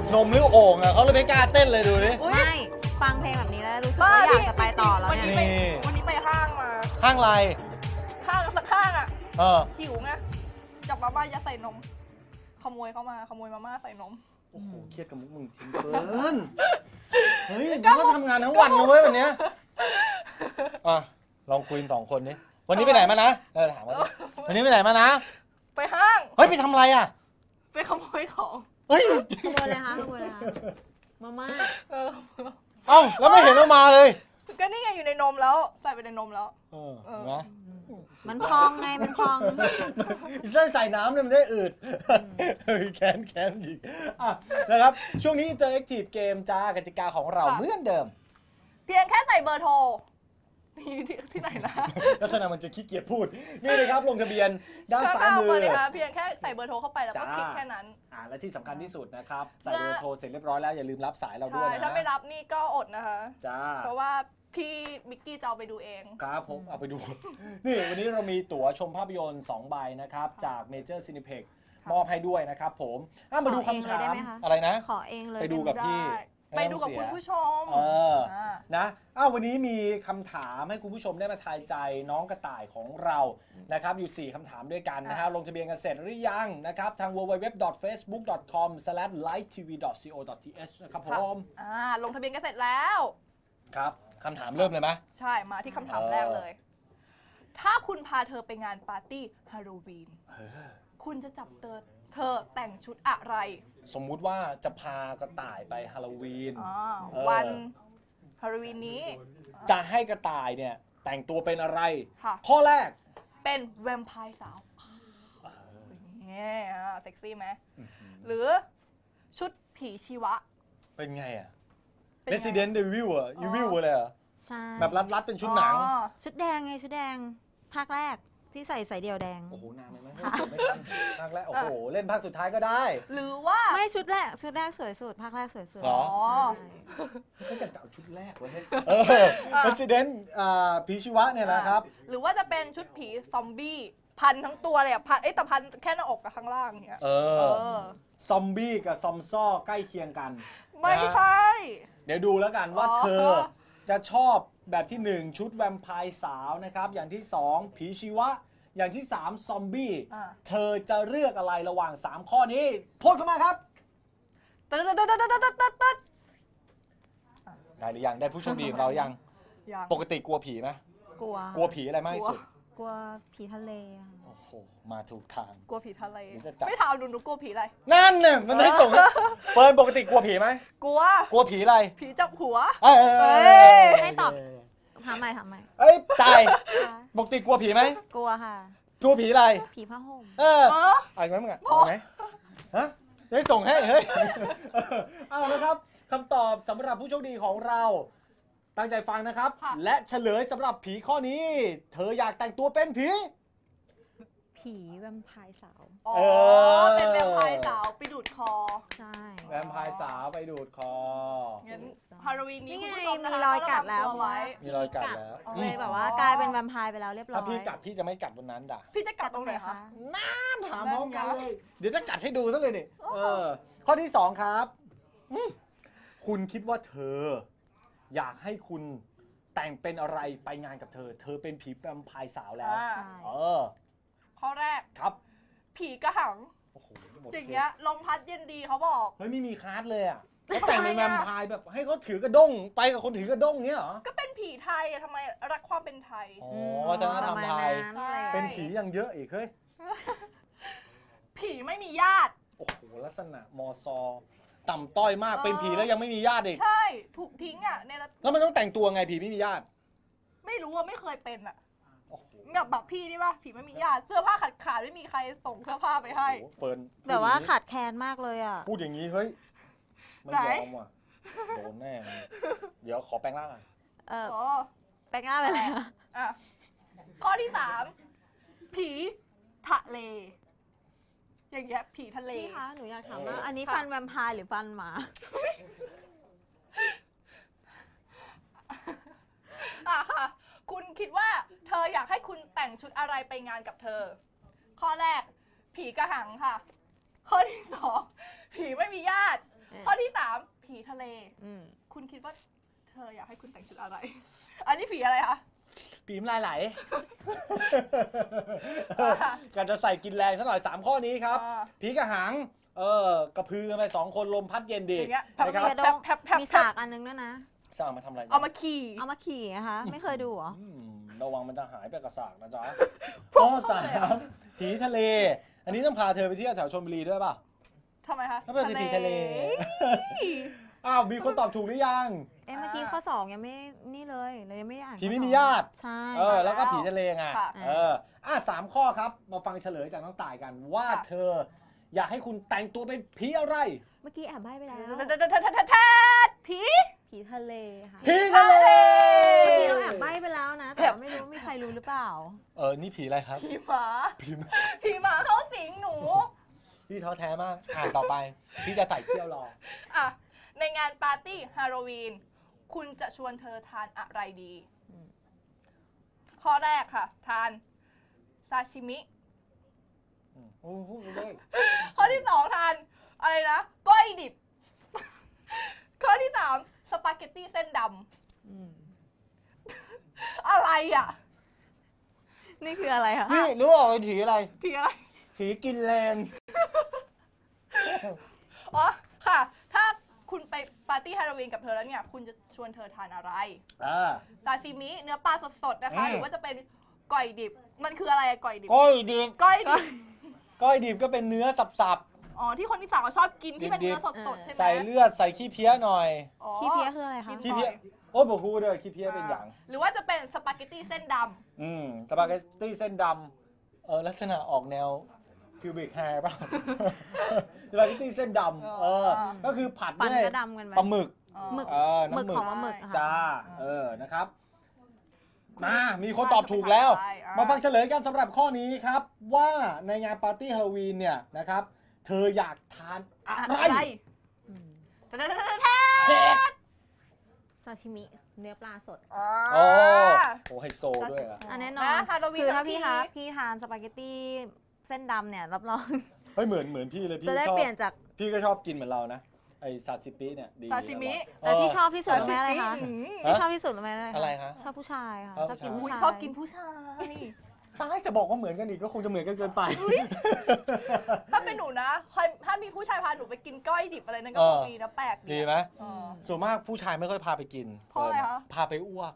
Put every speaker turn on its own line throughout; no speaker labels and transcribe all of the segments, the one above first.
นมหรือโอ่งอ่ะเขาเลยไม่กล้าเต้นเลยดูดิ
ไม่ฟังเพลงแบบนี้แล้วรู้สึกว่าอยากจะไปต่อแล้วเนี่ย
วันนี้ไปห้างมา
ห้างอะไร
ห้างสักห้างอ่ะหิวไงจับมาม่ายัดใส่นมขโมยเข้ามาขโมยมาม่าใส่นม
โอ้โหเครียดกับมุกมึงจริงเกินเฮ้ยมึงก็ทำงานทั้งวันนะเว้ยวันนี้ลองคุย2 คนดิวันนี้ไปไหนมานะถามว่าวันนี้ไปไหนมานะ
ไปห้าง
เฮ้ยไปทำอะไรอ่ะ
ไปขโมยของ
เฮ้ย
ขโมยเลยคะขโมยเลยคะมาม่า
เอ้าแล้วไม่เห็นเอามาเลย
ก็นี่ไงอยู่ในนมแล้วใส่ไปในนมแล้ว
นะ
มันพองไงมันพอง
ใส่น้ำเนี่ยมันได้อืดแค้นอีกนะครับช่วงนี้ Interactive Game จ้ากติกาของเราเหมือนเดิม
เพียงแค่ใส่เบอร์โทรที่ไหนนะ
ลักษณะมันจะขี้เกียจพูดนี่เลยครับลงทะเบียนด้านซ้ายมือ
เพียงแค่ใส่เบอร์โทรเข้าไปแล้วก็คลิกแค่นั้น
และที่สำคัญที่สุดนะครับใส่เบอร์โทรเสร็จเรียบร้อยแล้วอย่าลืมรับสายเราด้วยนะ
ถ้าไม่รับนี่ก็อดนะคะ
จ้า
เพราะว่าพี่มิกกี้จะเอาไปดูเอง
ครับผมเอาไปดูนี่วันนี้เรามีตั๋วชมภาพยนตร์2 ใบนะครับจากเมเจอร์ซินิเพ็กมอบให้ด้วยนะครับผมมาดูคำถามอะไรนะ
ขอเองเลย
ไปดูกับพี่
ไปดูกับคุณผู้ชม
นะวันนี้มีคำถามให้คุณผู้ชมได้มาทายใจน้องกระต่ายของเรานะครับอยู่4คำถามด้วยกันนะฮะลงทะเบียนกันเสร็จหรือยังนะครับทาง www.facebook.com/livetv.co.th นะครับผม
ลงทะเบียนกันเสร็จแล้ว
ครับคำถามเริ่มเลยไหม
ใช่มาที่คำถามแรกเลยถ้าคุณพาเธอไปงานปาร์ตี้ฮาโลวีนคุณจะจับเธอแต่งชุดอะไร
สมมุติว่าจะพากระต่ายไปฮาโลวีน
วันฮาโลวีนนี้
จะให้กระต่ายเนี่ยแต่งตัวเป็นอะไรข้อแรก
เป็นแวมไพร์สาวเนี่ยเซ็กซี่ไหมหรือชุดผีชีวะ
เป็นไงอะResident Evil อ่ะ Evil อะไรอ่ะใช่แบบรัดๆเป็นชุดหนัง
ชุดแดงไงชุดแดงภาคแรกที่ใส่เดี่ยวแดง
โอ้โหนานไหมไม่ทันภาคแรกโอ้โหเล่นภาคสุดท้ายก็ได้
หรือว่า
ไม่ชุดแรกสวยสุดภาคแรกสวยสุด
หรอก็จะเอาชุดแรกไว้ให้ Resident ผีชีวะเนี่ยนะครับ
หรือว่าจะเป็นชุดผีซอมบี้พันทั้งตัวเลยอ่ะพันแต่พันแค่หน้าอกกับข้างล่างเนี้ย
ซอมบี้กับซอมซ่อใกล้เคียงกัน
ไม่ใช่
เดี๋ยวดูแล้วกันว่าเธอจะชอบแบบที่1ชุดแวมไพร์สาวนะครับอย่างที่2ผีชีวะอย่างที่3ซอมบี้เธอจะเลือกอะไรระหว่าง3ข้อนี้พูดเข้ามาครับได้หรือยังได้ผู้โชคดีของเรายังปกติกลัวผีไหม
กลัว
ผีอะไรมากที่สุด
กลัวผีทะเล
โอ้โหมาถูกทาง
กลัวผีทะเลไม่ถามหนูกลัวผีอะไร
นั่นเนี่ยมันได้ส่งเฟิร์นปกติกลัวผีไหม
กลั
วผีอะไร
ผีจับหัว
ให้ตอบถามใหม่
ตายปกติกลัวผีไหม
กลัวค่ะ
กลัวผีอะไร
ผีผ้าห่ม
อะไรไหมมึงเอาไหมฮะได้ส่งให้เฮ้ยเอาละครับคำตอบสำหรับผู้โชคดีของเราตั้งใจฟังนะครับและเฉลยสำหรับผีข้อนี้เธออยากแต่งตัวเป็นผี
แวมไพร์สาว
เป็นแวมไพร์สาวไปดูดคอ
ใช่
แวมไพร์สาวไปดูดคอ
งั้นฮาโลวีนนี้คุณผู้ชม
มีรอยกัดแล้ว
มีรอยกัดแล้ว
เลยแบบว่ากลายเป็นแวมไพร์ไปแล้วเรียบร้อย
ถ้าพี่กัดพี่จะไม่กัดบนนั้นด่ะ
พี่จะกัดตรงไหนคะ
น่าถามพร้อมกันเลยเดี๋ยวจะกัดให้ดูซะเลยนี่ข้อที่2ครับคุณคิดว่าเธออยากให้คุณแต่งเป็นอะไรไปงานกับเธอเป็นผีแวมไพร์สาวแล้ว
ข้อแรก
ครับ
ผีกระหังอย่างเงี้ยลมพัดเย็นดีเขาบอก
เฮ้ยไม่มีคาร์ดเลยอ่ะเขาแต่งเป็นแวมไพร์แบบให้เขาถือกระด้งไปกับคนถือกระด้งเนี้ยเหรอ
ก็เป็นผีไทยทำไมรักความเป็นไทย
วัฒนธรรมไทยเป็นผียังเยอะอีกเฮ้ย
ผีไม่มีญาติ
โอ้โหลักษณะมซต่ำต้อยมากเป็นผีแล้วยังไม่มีญาติอีก
ใช่ถูกทิ้งอ่ะใน
แล้วมันต้องแต่งตัวไงผีไม่มีญาติ
ไม่รู้ว่าไม่เคยเป็นอ่ะแบบพี่นี่ป่ะผีไม่มีญาติเสื้อผ้าขาดไม่มีใครส่งเสื้อผ้าไปให้
เฟิร์น
แบบว่าขาดแคลนมากเลยอ่ะ
พูดอย่างนี้เฮ้ยไม่ยอมว่ะโดนแน่เดี๋ยวขอแปลงร่างอ่ะ
แปลงร่างไปเลย
ข้อที่3ผีทะเลอย่างเงี้ยผีทะเล
พี่คะหนูอยากถามว่าอันนี้ฟันแวมไพร์หรือฟันหมา
ค่ะคุณคิดว่าเธออยากให้คุณแต่งชุดอะไรไปงานกับเธอข้อแรกผีกระหังค่ะข้อที่2ผีไม่มีญาติข้อที่ 3 ผีทะเล
อืม
คุณคิดว่าเธออยากให้คุณแต่งชุดอะไร อันนี้ผีอะไรคะ
ปีมลายไหลการจะใส่กินแรงซะหน่อย3ข้อนี้ครับ ผีกระหังกระพือกันไป2คนลมพัดเย็นดี
อย่างเงี้ย
นะครับ
กระดงมีสากอันนึงด้วยนะ
สร้างมาทำอะไร
เอามาขี่
เอามาขี่นะคะ ไม่เคยดูเหรอ
ระวังมันจะหายไปกระสากนะจ๊ะข้อ3ผีทะเล อันนี้ต้องพาเธอไปเที่ยวแถวชลบุรีด้วยป่ะ
ทำไมคะ
ถ้าเป็นผีทะเลอ้าวมีคนตอบถูกหรือยัง
เอ๊ะเมื่อกี้ข้อ 2 ยังไม่นี่เลยเลยยังไม่ได้อ่าน
ผีไม่
ข้อ
มี
2
ญาติ
ใช่
แล้วก็ผีทะเลไง
ค่ะ
3 ข้อครับ มาฟังเฉลยจากน้องต่ายกันว่าเธออยากให้คุณแต่งตัวเป็นผีอะไร
เมื่อกี้แอบใบ้ไปแล้ว
ผี
ผีทะเลค่ะ
ผีทะเล
เมื่อกี้เราแอบใบ้ไปแล้วนะ แต่ว่าไม่รู้ว่ามีใครรู้หรือเปล่า
นี่ผีอะไรครับ
ผีหมา
ผีหมา
ผีหมาเข้าสิงหนู
พี่ท้อแท้มาก อ่านต่อไป พี่จะใส่เที่ยวรอ
อ่ะในงานปาร์ตี้ฮาโลวีนคุณจะชวนเธอทานอะไรดี
อืม
ข้อแรกค่ะ ทานซาชิมิ
พูดไปเลย
ข้อที่ 2 ทานอะไรนะก้อยดิบ ข้อที่ 3 สปาเกตตี้เส้นด
อืม
ำอะไรอ่ะ
นี่คืออะไรคะ
นี่รู้ว่าเป็นผีอะไร
ผีอะไร
ผีกินแรง
อ๋อค่ะ ถ้าคุณไปปาร์ตี้ฮาโลวีนกับเธอแล้วเนี่ย คุณจะชวนเธอทานอะไรซาซิมิเนื้อปลาสดๆนะคะ หรือว่าจะเป็นก้อยดิบ มันคืออะไรอะก้อยดิบ
ก้อยดิบ
ก้อยดิบ
ก้อยดิบก็เป็นเนื้อสับ
อ๋อที่คนที่สามเขาชอบกินที่เป็นเนื้อสดๆใช่ไหม
ๆใส่เลือดใส่ขี้เพี้ยหน่อย
อ๋อ
ขี้เพี้ยคืออะไรคะ
ขี้เพี้ยโอ้ยบอกพูดเลยขี้เพี้ยเป็นอย่าง
หรือว่าจะเป็นสปาเกตตี้เส้นด
สปาเกตตี้เส้นดำลักษณะออกแนวพิวบิกแฮร์ป่ะ สปาเกตตี้เส้นดำก็คือผัด
ฟัน
ด้วย
ก็ดำกันไหม
ปลาหมึก
ำ
หมึก
น้ำ
หมึกของปลาหมึกอะค่ะ
จ้านะครับ มีคนตอบถูกแล้ว มาฟังเฉลยกันสำหรับข้อนี้ครับ ว่าในงานปาร์ตี้ฮาโลวีนเนี่ยนะครับ เธออยากทานอะไร
อืม
แท้
ซาชิมิเนื้อปลาสด
ๆ
โอ้ไฮโซด้วยอะ
อันแน่นอน
นะฮาโลวีน
คือถ้า
ทั้ง
พี่
ที
คะพี่ทานสปาเกตตี้เส้นดำเนี่ยรับรอง
เฮ้ยเหมือนพี่เลยพี่
จะได้
ชอบ
เปลี่ยนจาก
พี่ก็ชอบกินเหมือนเรานะไอซาซิปิเนี่ยดี
ซาซิมิ
แต่ที่ชอบที่สุดรู้ไหมอะไรคะ
อืม
ที่ชอบที่สุดรู้ไหมอะไร
อะไรคะ
ชอบผู้ชายค่ะ
ชอบ
ชอบกิน
ผู้
ผู้
ชาย
ชาย
ชอบกินผู้ชาย
ตายจะบอกว่าเหมือนกันอีกก็คงจะเหมือนกันเกินไป
ถ้าเป็นหนูนะถ้ามีผู้ชายพาหนูไปกินก้อยดิบอะไรนั่นก็
เออ
คงดีนะแปลก
ดีไหม
เออ
ส่วนมากผู้ชายไม่ค่อยพาไปกิน
เพราะอะไรคะ
พาไปอ้วก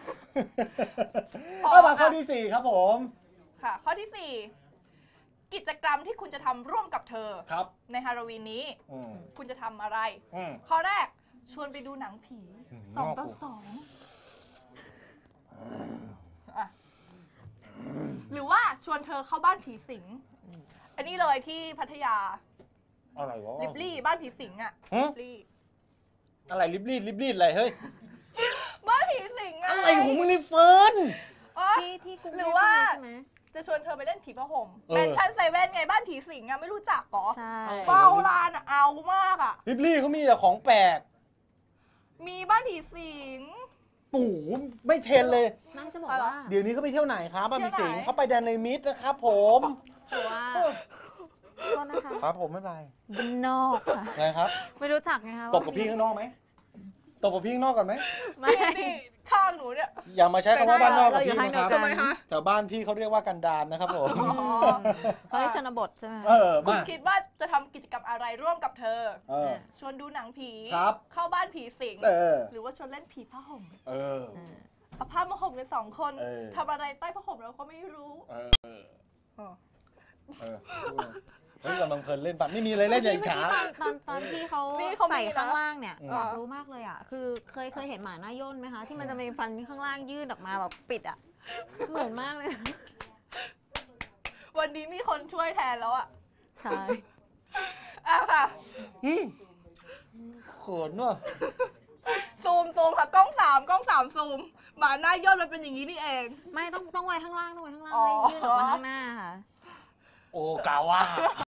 พอ
เอามาข้อที่ 4 ครับผม
ค่ะ ข้อที่ 4 กิจกรรมที่คุณจะทำร่วมกับเธอ
ครับ
ในฮาโลวีนนี้
อืม
คุณจะทำอะไร
อืม
ข้อแรกชวนไปดูหนังผี
อืม
2 ต่อ 2อ่ะหรือว่าชวนเธอเข้าบ้านผีสิง อันนี้เลยที่พัทยา
อะไรวะ
ลิบลี่บ้านผีสิงอ่ะ
ฮะ
ลิบลี่
อะไรลิบลีดอะไรเฮ้ย
บ้านผีสิงอะ
อะไรของมึงนี่เฟิร์น
อ๋อ
ที่กรุง
ห
เท
รือ
พ
ว่า
ใช่ไหม
จะชวนเธอไปเล่นผีผ้าห่ม
เออ
แมนชั่นเซเว่นไงบ้านผีสิงอะไม่รู้จักเหรอ
ใช่
เบาลานอะเอามากอะ
ลิบลี่เขามีแต่ของแปลก
มีบ้านผีสิง
ปู่ไม่เทรนเลย
นั่นจะบอกว่า
เดี๋ยวนี้เขาไปเที่ยวไหนครับบ้านพี่สิงห์
เที่ยวไหน
เขาไปแดนเลมิดนะครับผม
ถือว่าโทษนะคะ
ครับผมไม่เป็นไร
บ้านนอกค่ะ
นะครับ
ไม่รู้จักไงคะ
ตบกับพี่ข้างนอกไหมตบกับพี่ข้างนอกก่อนไหม
ไม่
นี่ข้างหนูเนี่ย
อย่ามาใช้คำว่าบ้านนอกกับ
เราอยู่
พี่
ทาง
นะ
เดี
ค
ย
รับ
วกัน
แถวบ้านพี่เขาเรียกว่ากันดารนะครับผม
อืมเขาเรียกชนบทใช่ไหม
คุณ
มา
คิดว่าจะทำกิจกรรมอะไรร่วมกับเธอ
เออ
ชวนดูหนังผี
ครับ
เข้าบ้านผีสิง หรือว่าชวนเล่นผีผ้าห่ม
เออ
เอาผ้ามาห่มกัน2 คน
เออ
ทำอะไรใต้ผ้าห่มเราก็ไม่รู้
เออ
อ๋อ
เออเฮ้ยกำลังเพลินเล่นปัดไม่มีอะไรเล่นอย่างช้า
ตอนที่เขา
นี่เขามี
ใส่
นะ
ข้างล่างเนี่ย
อืม
อยากรู้มากเลยอ่ะ คือเคยเห็นหมาหน้าย่นไหมคะ ที่มันจะมีฟันข้างล่างยื่นออกมาแบบปิดอ่ะ เหมือนมากเลยนะ
วันนี้มีคนช่วยแทนแล้วอะ
ใช่
อ่ะค่ะ
เขินว่ะ
ซูมค่ะกล้อง3ซูมหมาหน้าย่นมันเป็นอย่างนี้นี่เอง
ไม่ต้องไว้ข้างล่างต้องไว้ข้างล่าง
อ๋อ
ไม่ยื่นออกมาข้างหน้าค่ะ
โอ กาว่า